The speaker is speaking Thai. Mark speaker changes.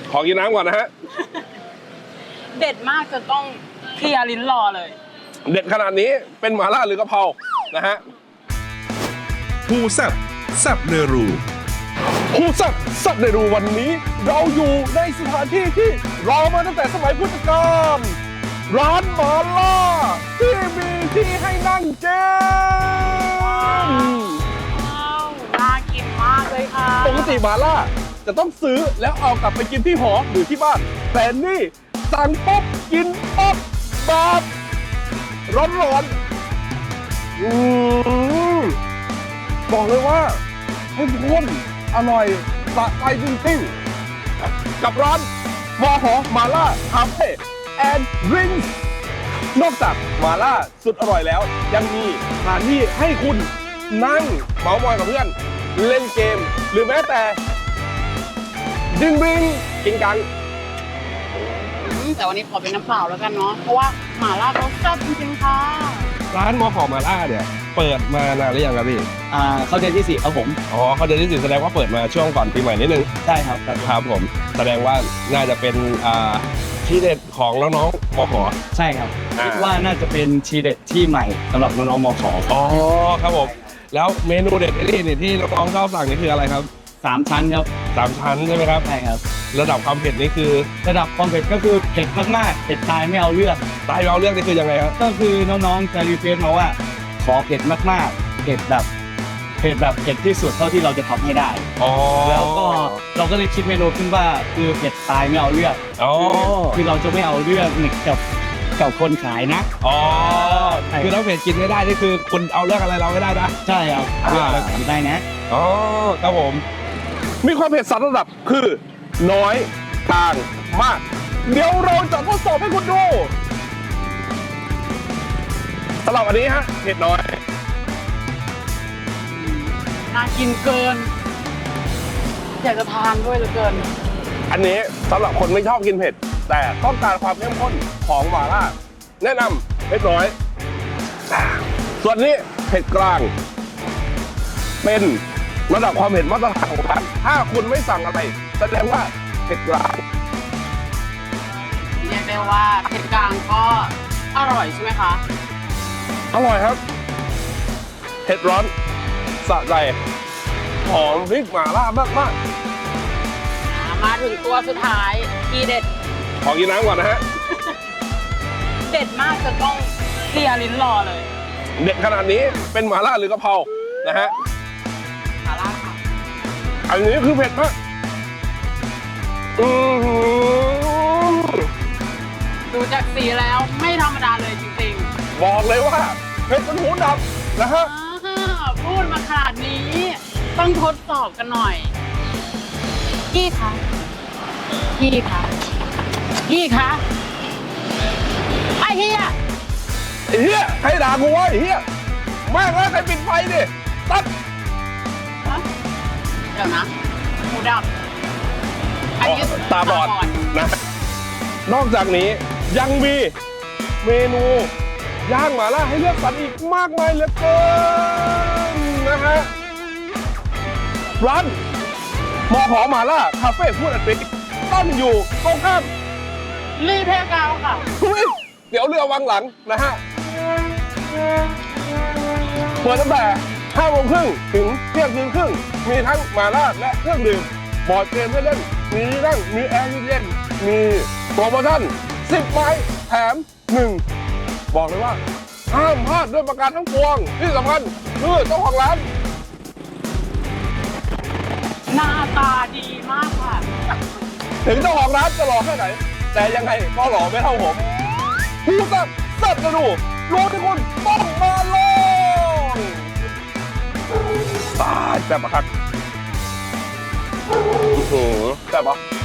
Speaker 1: ขอกินน้ำก่อนนะฮะ
Speaker 2: เด็ดมากจนต้องเคลียร์ลิ้นรอเลย
Speaker 1: เด็ดขนาดนี้เป็นหม่าล่าหรือกะเพรานะฮะ
Speaker 3: ผู้แซ่บแซ่บเนรู
Speaker 1: ผู้แซ่บในรูวันนี้เราอยู่ในสถานที่ที่รอมาตั้งแต่สมัยพุทธกาลร้านหม่าล่าที่มีที่ให้นั่งเจน
Speaker 2: น่ากินมากเลยค่ะ
Speaker 1: ปกติหม่าล่าจะต้องซื้อแล้วเอากลับไปกินที่หอหรือที่บ้านแต่นี่สั่งปุ๊บกินปุ๊บแบบร้อนบอกเลยว่าเข้มข้นอร่อยสะใจจริงๆกับร้านมอหอหม่าล่าคาเฟ่แอนด์ดริงก์นอกจากหม่าล่าสุดอร่อยแล้วยังมีสถานที่ให้คุณนั่งเมาท์มอยกับเพื่อนเล่นเกมหรือแม้แต่ดึงบิงกินกัน
Speaker 2: แต่วันนี้ขอเป็นน้ำเปล่าแล้วกันเนาะเพราะว่าหม่าล่าเขาแซ่บจริงๆค่ะ
Speaker 1: ร้านมอหอหม่าล่าเนี่ยเปิดมานานหรือยังครับพี่
Speaker 4: เข้าเดือนที่4ครับผม
Speaker 1: อ๋อเข้าเดือนที่4แสดงว่าเปิดมาช่วงก่อนปีใหม่นิดนึง
Speaker 4: ใช่ครับ
Speaker 1: ครับผมแสดงว่าน่าจะเป็นที่เด็ดของน้องๆมอหอ
Speaker 4: ใช่ครับคิดว่าน่าจะเป็นทีเด็ดที่ใหม่สำหรับน้องๆมอหอ
Speaker 1: อ๋อครับผมแล้วเมนูเด็ดนี่ที่น้องๆชอบสั่งนี่คืออะไรครับ
Speaker 4: 3 ชั้นครับ
Speaker 1: 3 ชั้นใช่ไหมครับ
Speaker 4: ใช่ครับ
Speaker 1: ระดับความเผ็ดนี่คือ
Speaker 4: ระดับความเผ็ดก็คือเผ็ดมากๆเผ็ดตายไม่เอาเลือด
Speaker 1: ตายไม่เอาเลือดนี่คือยังไงครับ
Speaker 4: ก็คือน้องๆจะรีเควสต์มาว่าขอเผ็ดมากๆเผ็ดแบบเผ็ดที่สุดเท่าที่เราจะทำให้ได้แล้วก็เราก็เลยคิดเมนูขึ้นว่าคือเผ็ดตายไม่เอาเลือดคือเราจะไม่เอาเลือดกับคนขายนะ
Speaker 1: คือเราเผ็ดกินไม่ได้นี่คือคุณเอาเลือกอะไรเราไม่ได้นะ
Speaker 4: ใช่ครับเราทำได้นะ
Speaker 1: ครับผมมีความเผ็ด3 ระดับคือน้อยกลางมากเดี๋ยวเราจะทดสอบให้คุณดูสำหรับอันนี้ฮะเผ็ดน้อย
Speaker 2: น่ากินเกินอยากจะทานด้วยเหลือเกิน
Speaker 1: อันนี้สำหรับคนไม่ชอบกินเผ็ดแต่ต้องการความเข้มข้นของหม่าล่าแนะนำเผ็ดน้อยส่วนนี้เผ็ดกลางเป็นระดับความเผ็ดมาตรฐานของร้านถ้าคุณไม่สั่งอะไรแสดงว่าเผ็ดกลาง
Speaker 2: เรียกได้ว่าเผ็ดกลางก็อร่อยใช่ไหมคะ
Speaker 1: อร่อยครับเผ็ดร้อนสะใจหอมพริกหม่าล่ามาก
Speaker 2: มาถึงตัวสุดท้ายทีเด็ด
Speaker 1: ขอกินน้ำก่อนนะฮะ
Speaker 2: เด็ดมากจนต้องเคลียร์ลิ้นรอเลย
Speaker 1: เด็ดขนาดนี้เป็นหม่าล่าหรือกะเพรานะฮะ
Speaker 2: หม่าล่าค่ะ
Speaker 1: อันนี้คือเผ็ดมาก
Speaker 2: ดูจากสีแล้วไม่ธรรมดาเลยจริง
Speaker 1: ๆบอกเลยว่าเผ็ดจนหูดับนะฮะ
Speaker 2: พูดมาขนาดนี้ต้องทดสอบกันหน่อยพี่คะไอ้เฮีย
Speaker 1: ให้ด่ากูวะไอ้เฮียแม่งแล้วใครปิดไฟดิตัด
Speaker 2: เดี๋ยวนะหูดับอันนี้
Speaker 1: ตาบอดนะนอกจากนี้ยังมีเมนูย่างหม่าล่าให้เลือกสรรอีกมากมายเหลือเกินนะฮะร้านมอหอหม่าล่าคาเฟ่ฟู้ดแอนด์ดริงก์ตั้งอยู่ตรงข้าม
Speaker 2: รีเพกาวค่ะ
Speaker 1: เดี๋ยวเรือวังหลังนะฮะเปิดตั้งแต่5 โมงครึ่งถึงเที่ยงคืนครึ่งมีทั้งหม่าล่าและเครื่องดื่มบอร์ดเกมให้เล่นมีนั่งมีแอร์เย็นมีโปรโมชั่น10 ไม้แถม1บอกเลยว่าห้ามพลาดด้วยประการทั้งปวงที่สำคัญคือเจ้าของร้าน
Speaker 2: หน้าตาดีมากค่ะ
Speaker 1: ถึงเจ้าของร้านจะหล่อแค่ไหนแต่ยังไงก็หล่อไม่เท่าผมผู้แซ่บจะดูรู้ที่คุณต้องมาลองตายแซ่บปะครับแซ่บปะ